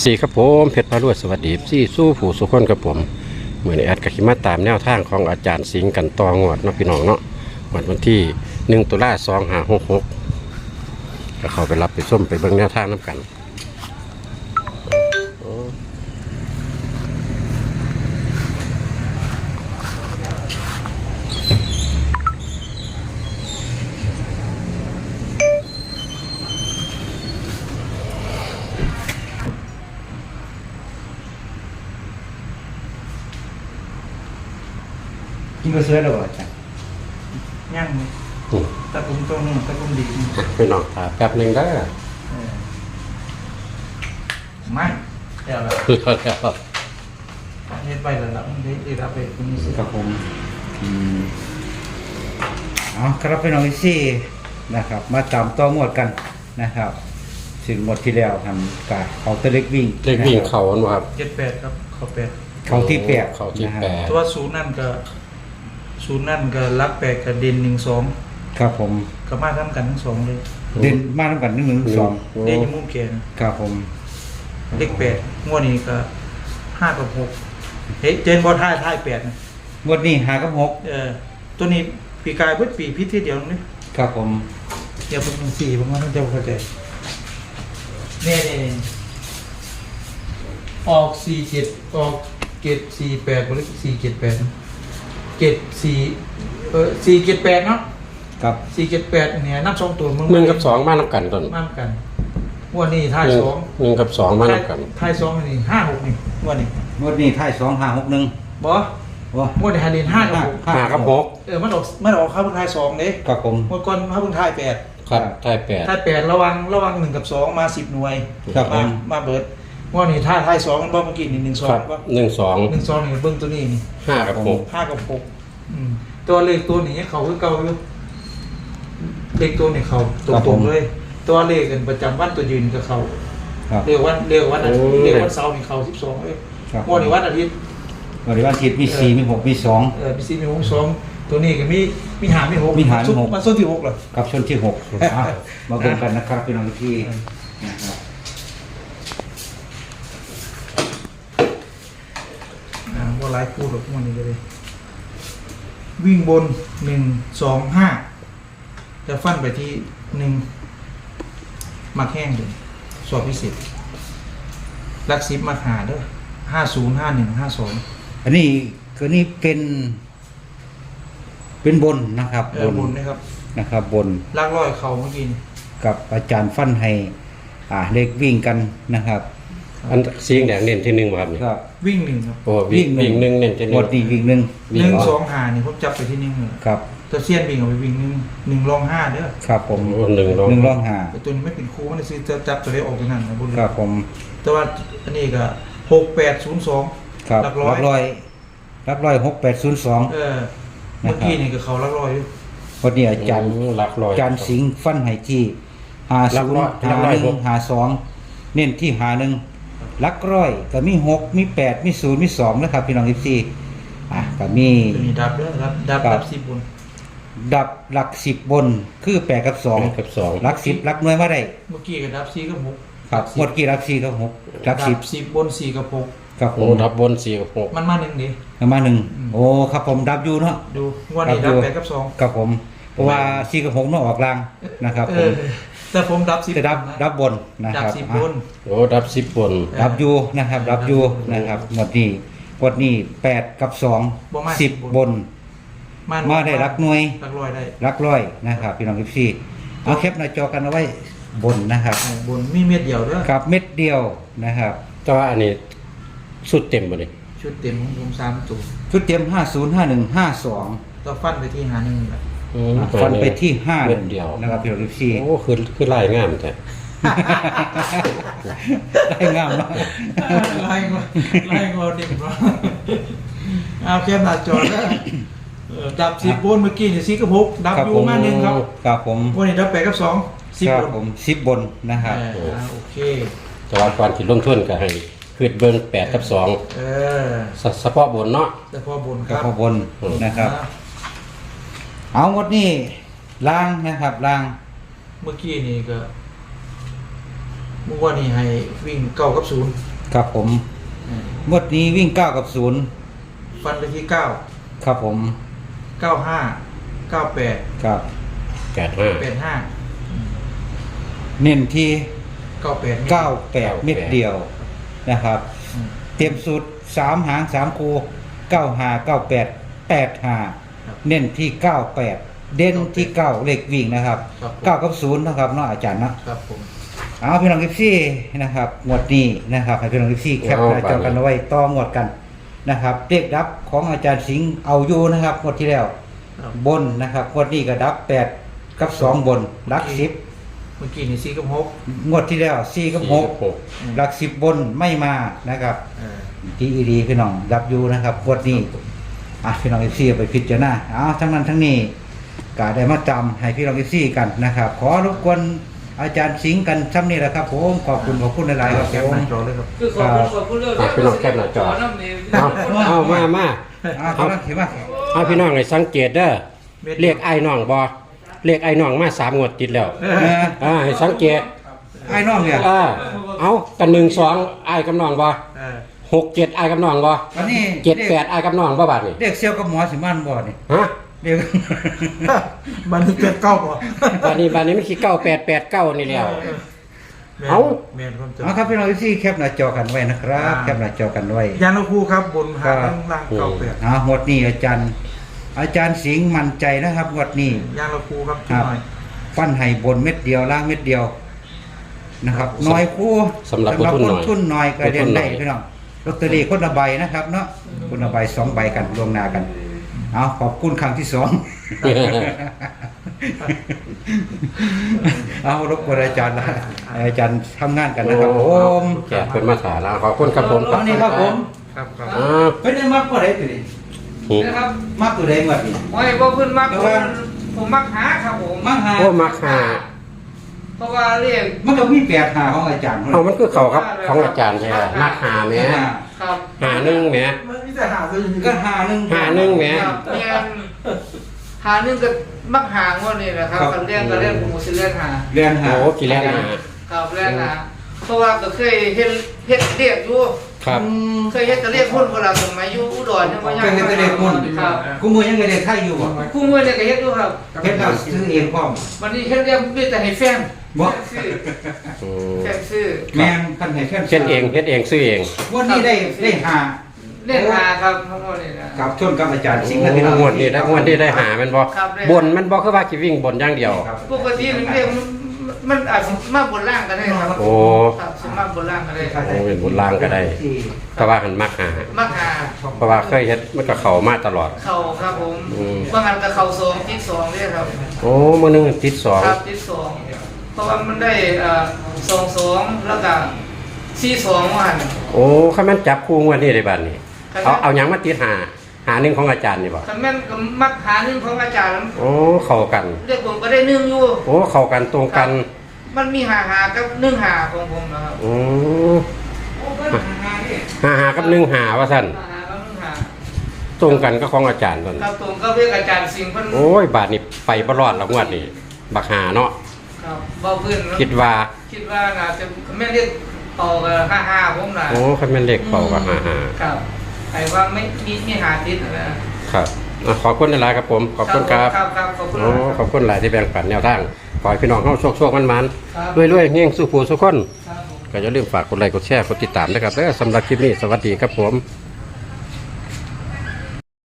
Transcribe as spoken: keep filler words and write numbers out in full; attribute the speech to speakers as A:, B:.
A: ซีครับผมเพชรพารวดสวัสดีซี่สู้ผู้สุขคนครับผมเหมือนแอดกับขิมาตามแนวทางของอาจารย์สิงห์กันตองวดเนาะพี่น้องเนาะวันวันที่หนึ่งตุลาสองห้าหกหกก็เข้าไปรับไปส้มไปเบิ่งแนวทางน้ำกัน
B: กินก็เสือแล้วบ่จ้ะ
C: ย่างเลยตะกุมตรงนึงตะกุมดี
A: พี่น้องถาแป๊บหนึ่งได้อ
C: ไม่เดี๋ยวละ
A: คือเขาแล้ว
C: เฮ็ดไปแล้วละมันได้รับไปคุณนี่สิ
B: ครับผมอืมเอาครับพี่น้องอีซี่นะครับ มาตามต่องวดกันนะครับถึงหมดที่แล้วทำการเขาตะเล็กวิ่ง
A: เลขวิ่งเขาอันว่าครับ
C: เจ็ดแปดครับเขาแปด
B: เขาที่แปด
A: เขาที่แปด
C: ตัวศูนย์นั่นก็ศูนย์นั่นก็รักแปดกับเด่นหนึ่งสอง
B: ครับผม
C: ก็มาทำกันทั้งสองเลย
B: เด่นมาทำกันหนึ่งหนึ่งสอง
C: เด่นยมุ่งเกียน
B: ครับผม
C: เลขแปดงวดนี้ก็ห้ากับหกเฮ้ยเจนบอลท้ายท้ายแปดนะ
B: งวดนี้หากับหก
C: เออตัวนี้ปีกายเพิ่ปีพิษที่เดียวนี่
B: ครับผม
C: เดี๋ยวเป็นสี่ผมว่าต้องจะเข้าใจเนี่ยเนี่ยออกสี่เจ็ดออกเจ็ดสี่แปดบริสี่เจ็ดแปดเจ็ดสี่เออสี่เจ็ดแปดเนาะ
B: ครับ
C: สี่เจ็ดแปดเนี่ยนับสองตัวมึง
A: หนึ่งกับสองมาน้ำกันต้น
C: มากกันงวันนี้ท้าย
A: หนึ่ง
C: สอง
A: หนึ่งกับสองมาน้ำกัน
C: ท้ายสองนี่ห้าหกนี่งวันนี้
B: งวดนี้ท้ายสองห้าหกหนึ่ง
C: บอ
B: ว้าง
C: วดนี้ไฮเดนห้ากับหก
A: ห้ากับหก
C: เออมันออกมันออกข้าวเพิ่งท้ายสองเด้
B: ครับผม
C: งวดก่อนข้าวเพิ่งท้ายแปด
A: ครับไทยแปด
C: ท้ายแปดระวังระวังหนึ่งกับสองมาสิบหน่วย
B: ครับผม
C: ามมาเบิดงวดนี้ท้ายท้ายสองมันบอกเมื่อกี้นี่หนึ่งสอ
A: ค
C: ง
A: รับ
C: ว่า
A: หนึ่งสอง
C: หนึ่งสองนี่เบิ้งตัวนี้นี่
A: ห้ากับหก
C: ห้ากับหกอืมตัวเลขตัวนี้เขาคือเก่าอยู่เลขตัวนี้เขาตรงๆเลย ตัวเลขกันประจำวันตัวยืนกับเขา
B: ครับ
C: เรียกวันเรียกวันอาทิตย์เรียกวันเสาร์นี่เขาสิบสองเลย
B: ครับ
C: งวดนี้วันอาทิตย์
B: วันนี้วันอาทิตย์มีสี่มีหกมีสอง
C: เออมีสี่มีหกสองตัวนี้ก็มีมีหามีหก
B: มีหามีหก
C: มันส้นที่หกเหรอ
B: กับชนที่หกอ่ะมาเบิ่งกันนะครับพี่น้องที่นะครับ
C: อ่าว่าไลฟ์พูดหรอกงวดนี้ก็เลย วิ่งบนหนึ่งสองห้าจะฟันไปที่หนึ่งมาแข้งเลยสอบพิเศษลักซิปมาหาเด้อห้าศูนย์ห้าหนึ่งห้าสอง
B: อันนี้คือนี่เป็น เป็นบนนะครับ
C: เออบนนะครับ
B: นะครับบน
C: ลากร้อยเขาเมื่อกี้นี่
B: กับอาจารย์ฟันให้ อ่าเลขวิ่งกันนะครับ
A: อันสีแดงเน้นที่หนึ่งบ่ครับนี่
B: ก็
C: วิ่งหนึ่งครับ
A: โอ้วิ่งวิ่งหนึ่งเน้นที่ห
B: หม
A: นึ่
B: ด
A: ง
B: ดีวิ่งหนึ่ง
C: หนึ่งสองหานี่ผมจับไปที่หนึ่งเลย
B: ครับ
C: ตัวเซียนวิ่งเอาไปวิ่งหนึ่งหนึ่งรองห้าเด้อ
B: ครับผม
A: โอ้หนึ่งลง
B: หนึ่งร่องหา
C: แต่ตัวนี้ไม่เป็นครูมันซื้อจะจับตัวเลขออกไปนั่นนะบุญ
B: ครับผม
C: แต่ว่าอันนี้ก็หกแปดศูนย์สอง
B: ครับ
C: หลักร้อย
B: รับร้อยรับร้อยหกแปดศูนย์สอง
C: เออเมื่อกี้นี่ก็เขาหลักร้อยอยู่
B: วันนี้อาจารย์
A: หลักร้อย
B: อาจารย์สิงห์ฟันให้ที่หา
A: หลั
B: ศู
A: ก
B: น
A: ร้อย
B: ย์
A: หลั
B: หาก
A: ร้อย
B: หนึ่งหาสองเน้นที่หาหนึ่งลักร้อยก็มีหกมีแปดมีศูนย์มีสองนะครับพี่น้องทิพซีอ่ะก็มี
C: ตัวนี้ดับเด้อครับดับ
B: ครับ
C: ดับสิบบน
B: ดับหลักสิบบนคือแปดกับสอง
A: แปดกับสอง
B: หลักสิบหลักหน่วยมาได้
C: เมื่อกี้ก็ดับสี่กับหก
B: ครับหมดกี่หลักสี่กับหกหลักสิบ
C: ดัสิบบนสี่กับหก
B: ครับผ
A: โอ้
B: ม
A: ดับบนสี่กับหก
C: มันมาหนึ่งดิ
B: ประมาณหนึ่ง
C: อืม
B: โอ้ครับผมดับอยู่เนาะ
C: ดูงวันนี้
B: ดั
C: ดั
B: บบ อยู่
C: แปดกับสอง
B: ครับผมเพราะว่าสี่กับหกเนาะออกลางนะครับ
C: เอ
B: ผม
C: อแต่ผมดับสิบ
B: จะดับ
C: นะ
B: ดับบนนะ
C: ดั
B: ครับ
C: สิบ
B: อ่ะ
C: บน
A: โอ้ดับสิบบน
B: ดับอยู่นะครับดับอยู่นะครับหมดนี้หมดนี้แปดกับสอง
C: บ่มา
B: สิบ
C: สิบบ
B: บน
C: มัน
B: มาได้รักหน่วย
C: รักร้อยได้
B: รักร้อยนะครับพี่น้องทิพซีเอาแคปหน้าจอกันเอาไว้บนนะครับ
C: เออบนมีเม็ดเดียวเด้อ
B: กับเม็ดเดียวนะครับ
A: แต่ว่าอันนี้สุดเต็มบ่เลย
C: ชุดเต็มของผมสามตัว
B: ชุดเตรียมห้าศูนย์ห้าหนึ่งห้าสอง
C: ต่อฟันไปที่หาหนึ่งแหละ
A: อืม
B: ฟันไปที่ห้า
A: เม็ดเดียว
B: นะครับพี่น้องทิพซี
A: โอ้คือคือลายงามแต่
B: ได้งามเนาะ
C: ไล่งอไล่งอเด็กเนาะเอาแคมหน้าจอแล้วเออดับสิบบนเมื่อกี้นี่สี่กับหกดับ
B: ครับ
C: อยู่
B: ผม
C: มาหนึ่งครับ
B: ครับผม
C: วันนี้ดับแปดกับสองสิบ
B: ครับ
C: บน
B: ผมสิบบนนะครับ
C: เอออ่าโอเค
A: แต่ว่าก่อนที่ลงทุนก็ให้คือเบิ่งแปดกับสอง
C: เออ
A: เฉพาะบนเนาะ
C: แต่พอบนค
B: ก็
C: รับ
B: ขอบนนะครับ
C: อ่า
B: เอางดนี้ล่างนะครับล่าง
C: เมื่อกี้นี่ก็เมื่อวานนี้ให้วิ่งเก้ากับศูนย์
B: ครับผม
C: อืม
B: งวดนี้วิ่งเก้ากับศูนย์
C: ฟันไปที่เก้า
B: ครับผม
C: เก้าห้าเก้าแปด
B: ครับ
A: แปดห้า
C: แปดห้า
B: เน้นที่
C: เก้าแปด
B: เก้าแปดเม็ดเดียวนะครับ
C: อืม
B: เตรียมสูตรสามหางสามคูเก้าหาเก้าแปดแปดหา
C: ครับ
B: เน้นที่เก้าแปดเด่นที่เก้าเลขวิ่งนะครับ
C: ครับผม
B: เก้ากับศูนย์นะครับเนาะอาจารย์เนาะ
C: ครับผม
B: เอาพี่น้องกิฟซี่นะครับงวดนี้นะครับให้พี่น้องกิฟซี่แคปหน้าจอกันเอาไว้ต่องวดกันนะครับเลขดับของอาจารย์สิงห์เอาอยู่นะครับงวดที่แล้ว
C: ครับ
B: บนนะครับงวดนี้ก็ดับแปดกับสองบนหลักสิบ
C: เมื่อกี้นี่สี่กับหก
B: งวดที่แล้วสี่กับหก
A: หก
B: หลักสิบบนไม่มานะครับ
C: เออ
B: ที่อีดีพี่น้องดับอยู่นะครับงวดนี้อ่ะพี่น้องกิฟซี่ไปพิจารณาเอาทั้งนั้นทั้งนี้ก็ได้มาจำให้พี่น้องกิฟซี่กันนะครับ ขอรบกวนอาจารย์สิงห์กันซ้ำนี่แหละครับผมขอบคุณขอบคุณหลายๆครับ
C: แคป
B: ผม
C: หน้าจอเลยครับ
D: คือขอบคุณขอบคุณเรื่อง
A: อ่ะพี่น้องแคปหน้าจอ
D: น้ำนี่
A: เอาเอามามา
B: เอาเอาเห็นไหม
A: เอาพี่น้องให้สังเกตเด้อเรียกไอ้น้องบ่เรียกไอ้น้องมาสามงวดติดแล้ว
B: เออ
A: อ่าให้สังเกต
B: ไอ้น้องเนี่ย
A: อ่าเอากันหนึ่งสองไอ้กับน้องบ่
C: เออ
A: หกเจ็ดไอ้กับน้องบ่
B: วันนี้
A: เจ็ดแปดไอ้กับน้องบ่บาดนี่
B: เด็กเซียวกับหมอสิมันบ่นี่
A: ฮะ
B: เด็ก
C: มันนี่เจ็ดเก้าป่ะ
A: บาดนี้บาดนี้มันคือเก้าแปดแปดเก้านี่แล้ว
C: แม่น
A: เอ้า
C: แม่นความจริง
B: เอาครับพี่น้องที่แคปหน้าจอกันไว้นะครับ
C: อ่า
B: แคปหน้าจอกันไว้
C: ยานคูครับบนหางล่างเก้าแปด
B: เอาหมดนี้อาจารย์ อาจารย์สิงห์มั่นใจนะครับหมดนี้
C: ยานคูครับ
B: ค
C: จุด
B: รับ
C: หน่อย
B: ฟันไห้บนเม็ดเดียวล่างเม็ดเดียวนะครับน้อยคู่
A: สำหรับผู้ทุนหน่อย
B: ทุนน้อยก็เรียนได้
A: ผู้ทุนหน่อย
B: พี่น้องลอตเตอรี่คนละใบนะครับเนาะคนละใบสองใบกันลวงหน้ากันเอาขอบคุณครั้งที่สอง เอารบกวนอาจารย์ละอาจารย์ทำงานกันนะครับผม
A: แกเป็นมาถาแล้วขอบคุณครับผม
B: เอานี่ครับผม
C: ครับครับ
A: อ่า
B: เป็นได้มากกว่าไรตัวนี้
D: นะครับ
B: มากตัวใดหมดนี่
D: โอ้ยบ่เพิ่นมักผมผมมักหาครับผม
B: มากหา
A: โอ้มักหา
D: เพราะว่าเรียก
B: มันก็มีแปดหาของอาจารย์
A: เอามันคือเขาครับของอาจารย์ใช่ไหมมักหาแหม
D: ครับ
A: หาหนึ่งแหม
C: มันมีแต่หาซื้อ
B: ก็หาหนึ่ง
A: หาหนึ่งแหม
D: ครับแม่นหาหนึงก็มักหางว่านี่แหละครับคันเรียกก็เรียกผมสิเรียกหา
B: เรียนหา
A: โอ้กี่แรกหา
D: ครับเรียกหาเพราะว่าก็เคยเฮ็ดเฮ็ดเรียกอยู่
A: ครับ
D: เคยเฮ็ดก็เรียกหุ้นเวลาสมัยอยู่อุดรเนี่ยบ่ยัง
B: เคยเฮ็ดแต่เด็กมุ่น
D: ครับ
B: กูมือยังไงเด็กไทยอยู่บ่
D: คู่มือเนี่ยก็เฮ็ดอยู่ครับ
B: เฮ็ดแล้วซื้อเองพร้อม
D: วันนี้เฮ็ดเรียกมีแต่ให้แฟน
B: บ่
D: ซื้อ
A: อืม
D: แฟนซื้อ
B: แม่นคันให้แค่
A: เช่นเองเฮ็ดเองซื้อเอง
B: วันนี้ได้ได้หา
D: เรียกหาครับทั้งหมดนี่นะ
B: กับชนกับอาจารย์สิงห์
A: โอ้
B: นะพี่น้อง
A: งวดนี้ได้งวดนี้ได้หามันบ่
D: ครับได้
A: บนมันบ่คือว่าสิวิ่งบนอย่างเดียว
B: ครับ
D: ปกติมันเรียกมันมันอาจจะมาบนล่างก็ได้ครับ
A: โอ้
D: ครับสมาบนล่างก็ได้
A: โอ้เป็นบนล่างก็ได้ เพราะว่าหันมักหา
D: มักหา
A: เพราะว่าเคยเฮ็ดมันก็เข้ามาตลอด
D: เข่าครับผม
A: อืม
D: บางอันก็เข่าสองติดสองเนี่ยครับ
A: โอ้มื้อหนึงติดสอง
D: ครับติดสองเพราะว่ามันได้เอ่อสองสองแล้วก็สี่สองวัน
A: โอ้คันมันจับคู่งวดนี้ได้บัดนี้ เอาเอาหยังมาติดหาหาหนึ่งของอาจารย์นี่บ่
D: คันแม่นก็มักหาหนึ่งของอาจารย์
A: โอ้เข้ากัน
D: เรียกผมก็ได้หนึ่งอยู่
A: โอ้เข้ากันตรงกัน
D: มันมีหาหากับหนึ่งหาของผมนะครับ
A: โอ้
D: โอ้เพิ่นหาหาเนี่ย
A: หาหากับหนึ่งหาว่าซั่น
D: หาหากับหนึ่งหา
A: ตรงกันก็ของอาจารย์ตอน
D: ครับผมก็เรียกอาจารย์สิงห์เพิ่น
A: โอ้ยบาทนี่ไปบ่รอดแล้วงวดนี้บักหาเนาะ
D: ครับเบาขึ้น
A: คิดว่า
D: คิดว่าน่าจะไม่เรียกต่อกับห้าห้าผมนะ
A: โอ้คันแม่นเลขเป่าก็หาหา
D: ครับไอ้ว่าไม่มีมีหาติดนะครับ
A: อ่ะขอบคุณหลายๆครับผม ขอบคุณครับ
D: ครับครับขอบคุณ
A: โอ้ขอบคุณหลายที่แบ่งปันแนวทาง ขอให้พี่น้องเฮาโชคๆมัน
D: ครับ
A: ๆรวยๆเฮงๆสู้ผู้สู้คน
D: ครับผม
A: ก็อย่าลืมฝากกดไลค์กดแชร์กดติดตามนะครับแล้วสำหรับคลิปนี้สวัสดีครับผม